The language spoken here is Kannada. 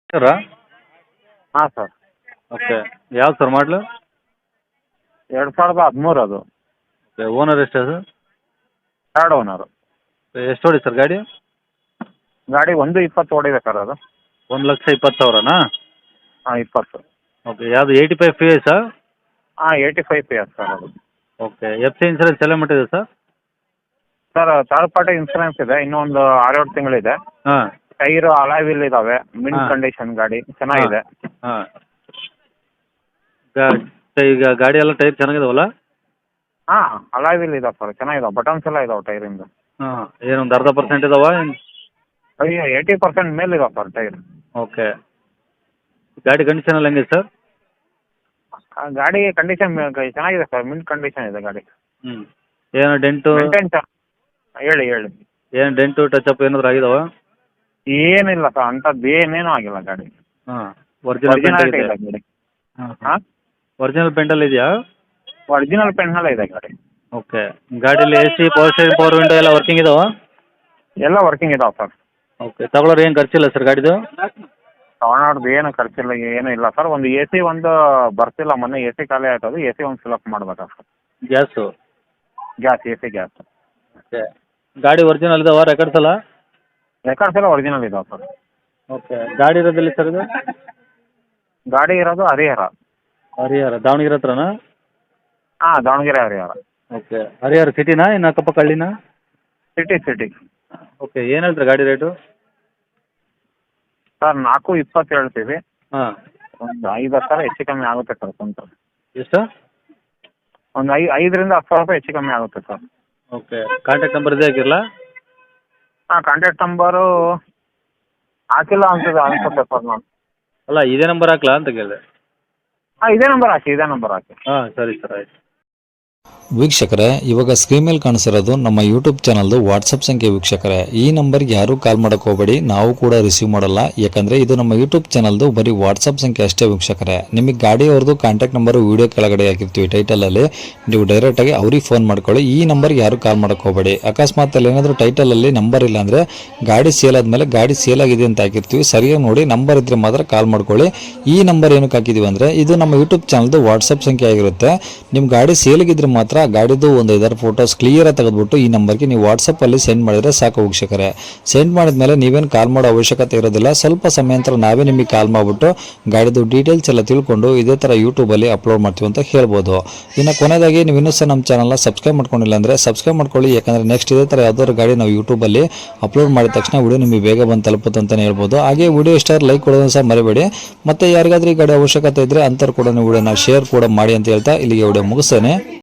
ಸರಾ? ಹಾಂ ಸರ್. ಓಕೆ. ಯಾವ್ದು ಸರ್ ಮಾಡಲು? 2013 ಅದು. ಓಕೆ. ಓನರ್ ಎಷ್ಟು ಅದು? Third owner. ಎಷ್ಟು ಹೊಡಿ ಸರ್ ಗಾಡಿ? ಗಾಡಿ 1:20 ಓಡಿದೆ ಸರ್ ಅದು. 1,20,000ನಾ? ಹಾಂ 20. ಓಕೆ. ಯಾವುದು 85 PS? ಹಾಂ 85 PS ಸರ್ ಅದು. ಓಕೆ. ಎಫ್ ಸಿ ಇನ್ಸೂರೆನ್ಸ್ ಎಲ್ಲ ಮಟ್ಟಿದೆ ಸರ್? ಸರ್ ಥರ್ಡ್ ಪಾರ್ಟಿ ಇನ್ಸೂರೆನ್ಸ್ ಇದೆ, ಇನ್ನೂ ಒಂದು 6-7 ತಿಂಗಳಿದೆ. ಹಾಂ ಟೈರು ಅಲಾಯ್ ವೀಲ್ ಇದ್ದಾವೆ, ಮಿಂಟ್ ಹಾಂ. ಕಂಡೀಷನ್ ಗಾಡಿ ಚೆನ್ನಾಗಿದೆ. ಹಾಂ. ಈಗ ಗಾಡಿ ಎಲ್ಲ ಟೈರ್ ಚೆನ್ನಾಗಿದಾವಲ್ಲ? ಹಾಂ ಅಲಾಯ್ ವೀಲ್ ಇದಾವೆ ಸರ್, ಚೆನ್ನಾಗಿದಾವೆ, ಬಟನ್ಸ್ ಎಲ್ಲ ಇದಾವೆ ಟೈರಿಂದ. ಹಾಂ. ಏನೊಂದು ಅರ್ಧ ಪರ್ಸೆಂಟ್ ಇದಾವ? ಅಯ್ಯೋ 80% ಮೇಲೆ ಇದಾವೆ ಸರ್ ಟೈರ್. ಓಕೆ. ಗಾಡಿ ಕಂಡೀಷನ್ ಎಲ್ಲ ಹೆಂಗಿದೆ ಸರ್? ಗಾಡಿ ಕಂಡೀಷನ್ ಚೆನ್ನಾಗಿದೆ ಸರ್, ಮಿಂಟ್ ಕಂಡೀಷನ್ ಇದೆ ಗಾಡಿ. ಹ್ಞೂ. ಏನು ಡೆಂಟು? ಮೇಂಟೈನ್ ಹೇಳಿ ಹೇಳಿ. ಏನು ಡೆಂಟು ಟಚಪ್ ಏನಾದ್ರು ಆಗಿದಾವ? ಏನಿಲ್ಲ ಸರ್, ಅಂಥದ್ದು ಏನೇನೂ ಆಗಿಲ್ಲ ಗಾಡಿ. ಹಾಂ. ಒರಿಜಿನಲ್ ಪೇಂಟ್ ಒರಿಜಿನಾಲಿಟಿ ಇದೆ? ಇದೆ ಗಾಡಿ. ಹಾಂ. ಹಾಂ ಒರಿಜಿನಲ್ ಪೇಂಟಲ್ಲಿ ಇದೆಯಾ? ಒರಿಜಿನಲ್ ಪೆನ್ನಲ್ಲೇ ಇದೆ ಗಾಡಿ. ಓಕೆ. ಗಾಡೀಲಿ A C, power steering, power window ಎಲ್ಲ ವರ್ಕಿಂಗ್ ಇದಾವ? ಎಲ್ಲ ವರ್ಕಿಂಗ್ ಇದಾವೆ ಸರ್. ಓಕೆ. ತಗೊಳ್ಳೋರು ಏನು ಖರ್ಚಿಲ್ಲ ಸರ್ ಗಾಡಿದು? ತಗೊಳೋರ್ದು ಏನು ಖರ್ಚಿಲ್ಲ, ಏನೂ ಇಲ್ಲ ಸರ್. ಒಂದು ಎ ಸಿ ಒಂದು ಬರ್ತಿಲ್ಲ, ಮೊನ್ನೆ ಎ ಸಿ ಖಾಲಿ ಆಯ್ತದು, ಎ ಸಿ ಒಂದು ಫಿಲಪ್ ಮಾಡ್ಬೇಕಾ sir. Gas? Gas, A C gas. Okay. ಗಾಡಿ ಒರಿಜಿನಲ್ ಇದಾವ ರೆಕಾರ್ಡ್ಸ್ ಎಲ್ಲ? ರೆಕಾರ್ಡ್ಸ್ ಎಲ್ಲ ಒರಿಜಿನಲ್ ಇದಾವೆ ಸರ್. ಓಕೆ. ಗಾಡಿ ಇರೋದಿಲ್ಲ ಸರ್ ಇದು? ಗಾಡಿ ಇರೋದು ಹರಿಹರ. ಹರಿಹರ ದಾವಣಗೆರೆ ಹತ್ರನಾ? ಹಾಂ ದಾವಣಗೆರೆ ಹರಿಹರ. ಓಕೆ. ಹರಿಹರ ಸಿಟಿನಾ ಇನ್ನು ಅಕ್ಕಪಕ್ಕ ಹಳ್ಳಿನಾ? ಸಿಟಿ. ಓಕೆ. ಏನು ಹೇಳ್ತೀರಾ ಗಾಡಿ ರೇಟು? ಸರ್ 4:20 ಹೇಳ್ತೀವಿ. ಹಾಂ. ಒಂದು 5-10 ಹೆಚ್ಚು ಕಮ್ಮಿ ಆಗುತ್ತೆ ಸರ್ ಕುಂತು. ಎಷ್ಟು? ಒಂದು 5ರಿಂದ 10 ಸಾವಿರ ರೂಪಾಯಿ ಹೆಚ್ಚು ಕಮ್ಮಿ ಆಗುತ್ತೆ ಸರ್. ಓಕೆ. ಕಾಂಟ್ಯಾಕ್ಟ್ ನಂಬರ್ ಇದೇ ಹಾಕಿರಲಾ? ಹಾಂ ಕಾಂಟ್ಯಾಕ್ಟ್ ನಂಬರು ಹಾಕಿಲ್ಲ ಅನ್ಸುತ್ತೆ ಸರ್ ನಾನು. ಅಲ್ಲ ಇದೇ ನಂಬರ್ ಹಾಕ್ಲಾ ಅಂತ ಕೇಳಿದೆ. ಹಾಂ ಇದೇ ನಂಬರ್ ಹಾಕಿ. ಹಾಂ ಸರಿ ಸರ್ ಆಯ್ತು. ವೀಕ್ಷಕರೇ, ಇವಾಗ ಸ್ಕ್ರೀನ್ ಮೇಲೆ ಕಾಣಿಸಿರೋದು ನಮ್ಮ ಯೂಟ್ಯೂಬ್ ಚಾನಲ್ದು ವಾಟ್ಸಪ್ ಸಂಖ್ಯೆ ವೀಕ್ಷಕರೇ. ಈ ನಂಬರ್ಗೆ ಯಾರೂ ಕಾಲ್ ಮಾಡೋಕೆ ಹೋಗಬೇಡಿ, ನಾವು ಕೂಡ ರಿಸೀವ್ ಮಾಡಲ್ಲ. ಯಾಕಂದರೆ ಇದು ನಮ್ಮ ಯೂಟ್ಯೂಬ್ ಚಾನಲ್ದು ಬರೀ ವಾಟ್ಸಪ್ ಸಂಖ್ಯೆ ಅಷ್ಟೇ ವೀಕ್ಷಕರೇ. ನಿಮಗೆ ಗಾಡಿಯವ್ರದ್ದು ಕಾಂಟ್ಯಾಕ್ಟ್ ನಂಬರು ವೀಡಿಯೋ ಕೆಳಗಡೆ ಹಾಕಿರ್ತೀವಿ ಟೈಟಲಲ್ಲಿ, ನೀವು ಡೈರೆಕ್ಟಾಗಿ ಅವ್ರಿಗೆ ಫೋನ್ ಮಾಡ್ಕೊಳ್ಳಿ. ಈ ನಂಬರ್ಗೆ ಯಾರೂ ಕಾಲ್ ಮಾಡೋಕೆ ಹೋಗಬೇಡಿ. ಅಕಸ್ಮಾತ್ ಅಲ್ಲಿ ಏನಾದರೂ ಟೈಟಲಲ್ಲಿ ನಂಬರ್ ಇಲ್ಲ ಅಂದರೆ ಗಾಡಿ ಸೇಲ್ ಆದಮೇಲೆ ಗಾಡಿ ಸೇಲ್ ಆಗಿದೆ ಅಂತ ಹಾಕಿರ್ತೀವಿ, ಸರಿಯಾಗಿ ನೋಡಿ ನಂಬರ್ ಇದ್ದರೆ ಮಾತ್ರ ಕಾಲ್ ಮಾಡ್ಕೊಳ್ಳಿ. ಈ ನಂಬರ್ ಏನಕ್ಕೆ ಹಾಕಿದ್ದೀವಿ ಅಂದರೆ ಇದು ನಮ್ಮ ಯೂಟ್ಯೂಬ್ ಚಾನಲ್ದು ವಾಟ್ಸಪ್ ಸಂಖ್ಯೆ ಆಗಿರುತ್ತೆ. ನಿಮ್ಮ ಗಾಡಿ ಸೇಲಿಗಿದ್ರೆ ಮಾತ್ರ ಗಾಡಿದು ಒಂದು 5 ಫೋಟೋಸ್ ಕ್ಲಿಯರಾಗಿ ತೆಗೆದುಬಿಟ್ಟು ಈ ನಂಬರ್ಗೆ ನೀವು ವಾಟ್ಸಪ್ಪಲ್ಲಿ ಸೆಂಡ್ ಮಾಡಿದರೆ ಸಾಕು ವೀಕ್ಷಕರೇ. ಸೆಂಡ್ ಮಾಡಿದ್ಮೇಲೆ ನೀವೇನು ಕಾಲ್ ಮಾಡೋ ಅವಶ್ಯಕತೆ ಇರೋದಿಲ್ಲ. ಸ್ವಲ್ಪ ಸಮಯ ನಂತರ ನಾವೇ ನಿಮಗೆ ಕಾಲ್ ಮಾಡಿಬಿಟ್ಟು ಗಾಡಿದು ಡೀಟೇಲ್ಸ್ ಎಲ್ಲ ತಿಳ್ಕೊಂಡು ಇದೇ ಥರ ಯೂಟ್ಯೂಬಲ್ಲಿ ಅಪ್ಲೋಡ್ ಮಾಡ್ತೀವಿ ಅಂತ ಹೇಳ್ಬೋದು. ಇನ್ನು ಕೊನೆಯದಾಗಿ ನೀವು ಇನ್ನೂ ಸಹ ನಮ್ಮ ಚಾನಲ್ನ ಸಬ್ಸ್ಕ್ರೈಬ್ ಮಾಡ್ಕೊಂಡಿಲ್ಲ ಅಂದರೆ ಸಬ್ಸ್ಕ್ರೈಬ್ ಮಾಡ್ಕೊಳ್ಳಿ. ಯಾಕಂದರೆ ನೆಕ್ಸ್ಟ್ ಇದೇ ಥರ ಯಾವ್ದಾದ್ರು ಗಾಡಿ ನಾವು ಯೂಟ್ಯೂಬಲ್ಲಿ ಅಪ್ಲೋಡ್ ಮಾಡಿದ ತಕ್ಷಣ ವಿಡಿಯೋ ನಿಮಗೆ ಬೇಗ ಬಂದು ತಲುಪುತ್ತೆ ಅಂತಲೇ ಹೇಳ್ಬೋದು. ಹಾಗೆ ವಿಡಿಯೋ ಇಷ್ಟ ಲೈಕ್ ಕೊಡೋದನ್ನು ಸಹ ಮರಿಬೇಡಿ. ಮತ್ತು ಯಾರಿಗಾದ್ರೂ ಈ ಗಾಡಿ ಅವಶ್ಯಕತೆ ಇದ್ದರೆ ಅಂಥವ್ರು ಕೂಡ ವಿಡಿಯೋನ ಶೇರ್ ಕೂಡ ಮಾಡಿ ಅಂತ ಹೇಳ್ತಾ ಇಲ್ಲಿಗೆ ವಿಡಿಯೋ ಮುಗಿಸ್ತೇನೆ.